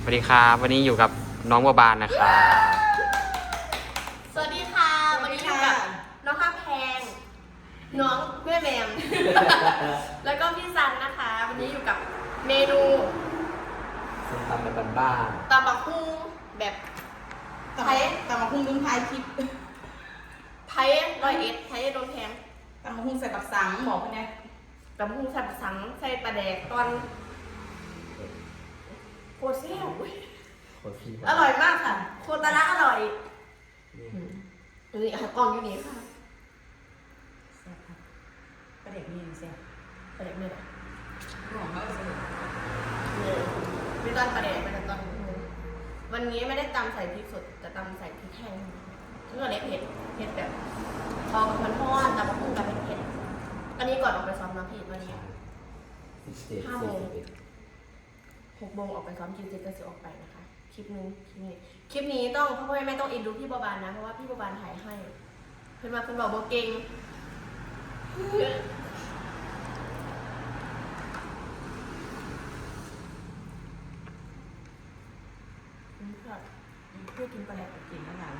วัสดีครับวันนี้อยู่กับน้องบัวบานนะครับสวัสดีค่ะวันนี้อยู่กับน้องข้าแพงน้องแม่แมม แล้วก็พี่ซันนะคะ วันนี้อยู่กับเมนูส้มตำแบบบ้านตำบักหุ่งแบบไทยตำมะฮุ่งลุงไทยคลิปไทย101ไทยโดนแพงตำมะฮุ่งใส่ปักสังบอกเขาเนี่ยตำบักหุ่งใส่ผักสังใส่ปลาแดกตอนโคตรแซ่บอร่อยมากค่ะโคตรละอร่อยนี่ค่ะกล่องอยู่นี่ค่ะแซ่บครับประเด็กนี่แซ่บปลาแดกเนี่ยหอมมากเลยมีตอนปลาแดกเป็นตอนวันนี้ไม่ได้ตำใส่พริกสดแต่ตำใส่พริกแห้งเมื่อเล็กเผ็ดแบบพอมันทอดตำบักหุ่งกับเผ็ดอันนี้ก่อนออกไปซ้อมน้ำผิดวันนี้5 โมง 6 โมงออกไปซ้อมคิวเจ็ดก็จะออกไปนะคะคลิปนี้ต้องพ่อแม่ต้องอินดูพี่บัวบานนะเพราะว่าพี่บัวบานถ่ายให้เพื่อนบอกโบเก่งเพื่อกินปลาแดกกินแล้วไง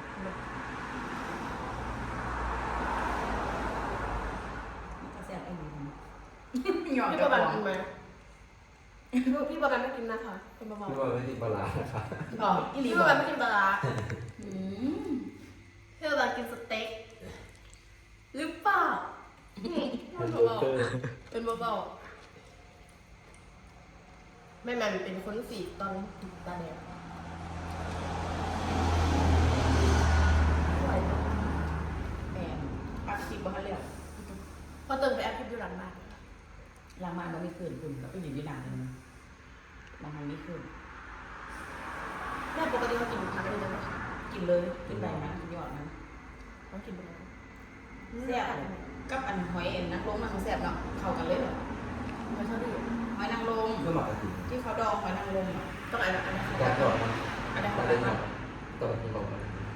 แซ่บไอ้นี่หยอดพี่กบัระวบานป๋องกินไหมพี่บัวบานไม่กินนะคะเป็นเบาพี่บัวไม่ติดปลาร้านะครับบอกอีๆหลีพี่บบัอวกบานไม่กินปลาร้าอืมพี่บัวบานกินสเต็กหรือเปล่าเป็นเบาๆแม่แม่เป็นคนสีตอนตาแดงไหวไหมแม่ปักคลิปบ้านเรียกพอเติมไปแอปคลิปอยู่หลังบ้านล้างมาเราไม่คืนคุณแล้วก็อยู่ที่หลังนึงบางครั้งไม่คืนแม่ปกติเขากินผักอะไรไหมคะกินเลยกินได้นะกินหยอดนะเขากินไปแล้วแซ่บกับอันหอยเอ็นนางรมมันแซ่บเนาะเข้ากันเลยเหรอเขาชอบดูหอยนางรมก็หมักกะทิที่เขาดองหอยนางรมอ่ะต้องอะไรอันนั้นแต่ก่อนมันอันนั้นก็เขาเล่นดหอมดตัวที่บอกมา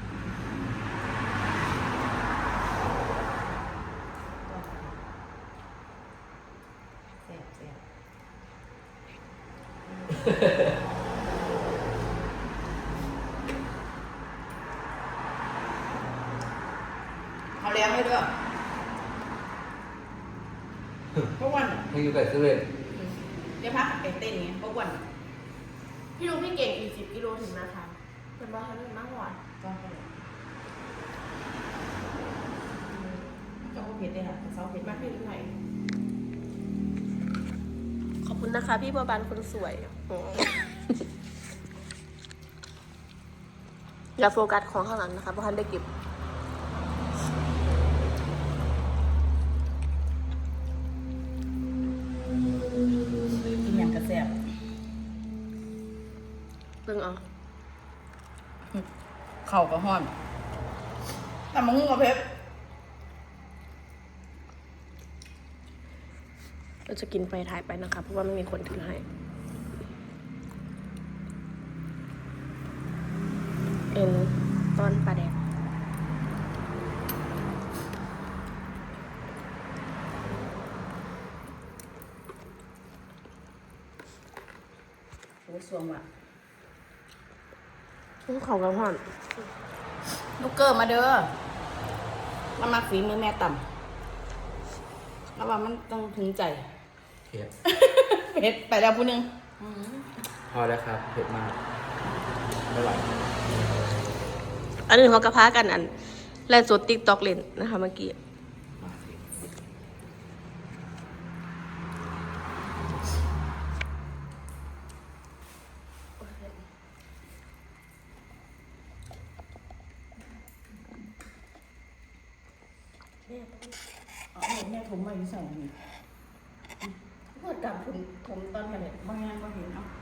แซ่บแซ่บเขาเลี้ยงให้ด้วยเพราะวันให้อยู่กับเซเว่นเดี๋ยวพักไปเต้นไงเพราะวันพี่ลุงพี่เก่งอีก10 กิโลถึงนะคะเป็นว่าเขาเล่นมากกว่าก็ไปก็เผ็ดเลยค่ะเซาเผ็ดาก กมามพี่ลุงไหนขอบคุณนะคะพี่บัวบานคนสวยอย่าโฟกัสของข้างหลังนะคะเพราะท่านได้เก็บกินอย่างกระแซ่บตึงเอาเข่าก็ห้อนแต่มะม่วงกับเพชรเราจะกินไปถ่ายไปนะคะเพราะว่าไม่มีคนถือให้เอ็นตอนปลาแดกโอ้สวงว่ะเขากระห่อนลูกเกอร์มาเด้อมามาฝีมือแม่ต่ำแล้วว่ามันต้องถึงใจเผ็ดเผ็ดไปแล้วผู้หนึงพอแล้วครับเผ็ดมากไม่ไหวอันนี้เขากระพากันอันแลนสดติ๊กต็อกเล่นนะคะเมื่อกี้แม่ผมมาอยู่ใส่นี่พูดกับผมตอนมาเนี่ยบางงานก็เห็นเนาะ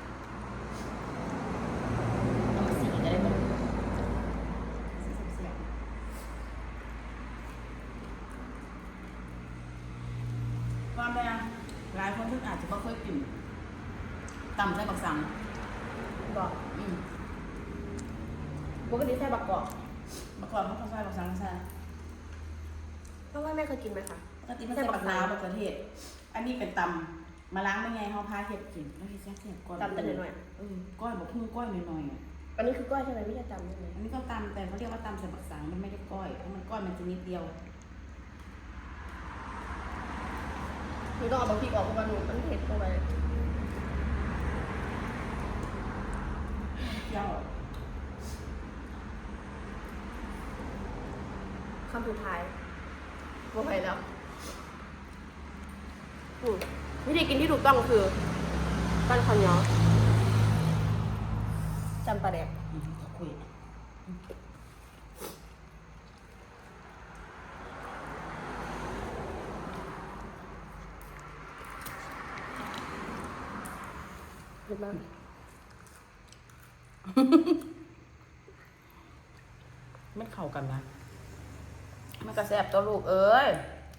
เอามาสีก็ได้หมดว่าแม่หลายคนที่อาจจะไม่เคยกินต่ำใส่บักสังบอก ปกติใส่บักกอกเมื่อก่อนเขาใส่บักสังใส่เพราะว่าแม่เคยกินไหมคะปกติมันใส่บักนาวบักกระเทศ อันนี้เป็นตำมาล้างเป็นไงเขาพาเห็ดกินแล้วเห็ดแซ่บๆก้อยตำแต่หน่อยก้อยบอกพุ่งก้อยหน่อยๆๆอันนี้คือก้อยใช่ไหมไม่ใช่ตำใช่ไหมอันนี้ก็ตำแต่เขาเรียกว่าตำใส่บักสังมันไม่ได้ก้อยเพราะมันก้อยมันจะนิดเดียวหนูต้องเอาบะพริกออกเพราะว่าหนูมันเผ็ดเข้าไปเที่ยวคำสุดท้ายบ่ไปแล้ววิธีกินที่ถูกต้องคือปั้นข้าวเหนียวจำปลาแดกคุยเผ็ดมากไม่เข้ากันนะมันกระแสบตัวลูกเอ้ย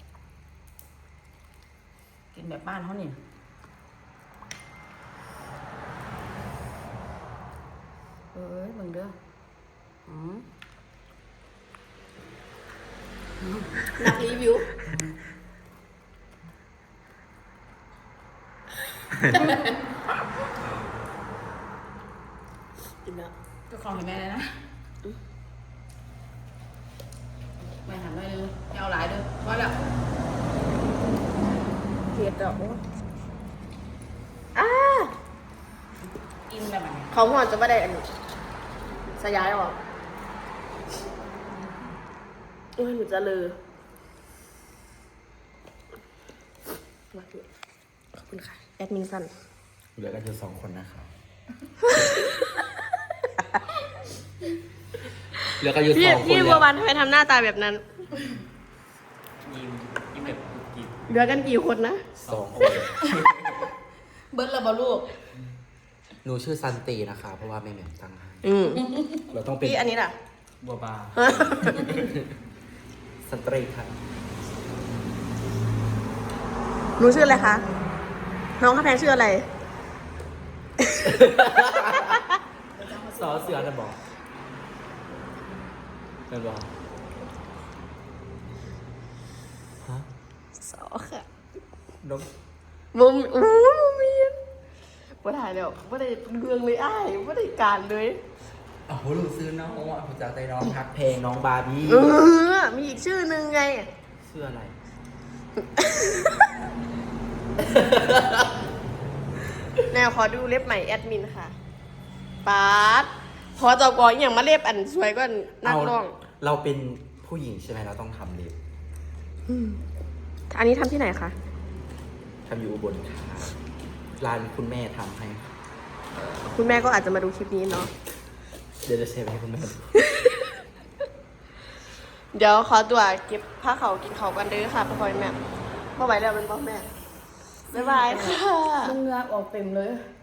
กินแบบบ้านเขานี่เอ้ยมึงเด้ออืมนักรีวิวกินแล้วก็ของให้แม่เลยนะแม่หันไปเลยไม่เอาหลายเลยพอแล้วเผ็ดอ่ะโอ้อ้ากินแบบไหนเขาหัวจะไม่ได้อันนี้สยายออกโอ้ยหนูจะลือมาดูขอบคุณค่ะ แอดมินสันเหลือกันอยู่2 คนนะครับ เหลือกันอยู่2 คนพี่แล้บัววบานทำไมทำหน้าตาแบบนั้นยิ้มแบบกิ๊บเหลือกันกี่คนนะ 2 คนเบิ้ลระบลูกหนูชื่อซันตีนะคะ เพราะว่าแม่แหม่มตั้งให้ เราต้องเป็นพี่อันนี้ล่ะบัวบาซันตรีค่ะหนูชื่ออะไรคะ น้องข้าแพงชื่ออะไรสอเสือนะบอกเป็นบอกฮะสอค่ะน้องมุมอู้มุมเมียนว่าถ่ายแล้วว่าได้เรื่องเลยอ้ายว่าได้การเลยโอ้โหลูกซื้อน้องอ่ะผมจากใจน้องพักเพลงน้องบาร์บี้มีอีกชื่อนึงไงเสื้ออะไรแนวขอดูเล็บใหม่แอดมินค่ะปาร์ตพอจอกออย่างมาเล็บอันสวยก็นักร้องเราเป็นผู้หญิงใช่ไหมเราต้องทำเล็บอันนี้ทำที่ไหนคะทำอยู่อุบลค่ะร้านคุณแม่ทำให้คุณแม่ก็อาจจะมาดูคลิปนี้เนาะเดี๋ยวจะเชฟให้คุณแม่ดูเดี๋ยวขอตัวเก็บผ้าเขาวกินเขาวกันเด้อค่ะพ่อแม่พ่อไหวแล้วเป็นพ่อแม่บ๊ายบายค่ะมันเงือออกเต็มเลย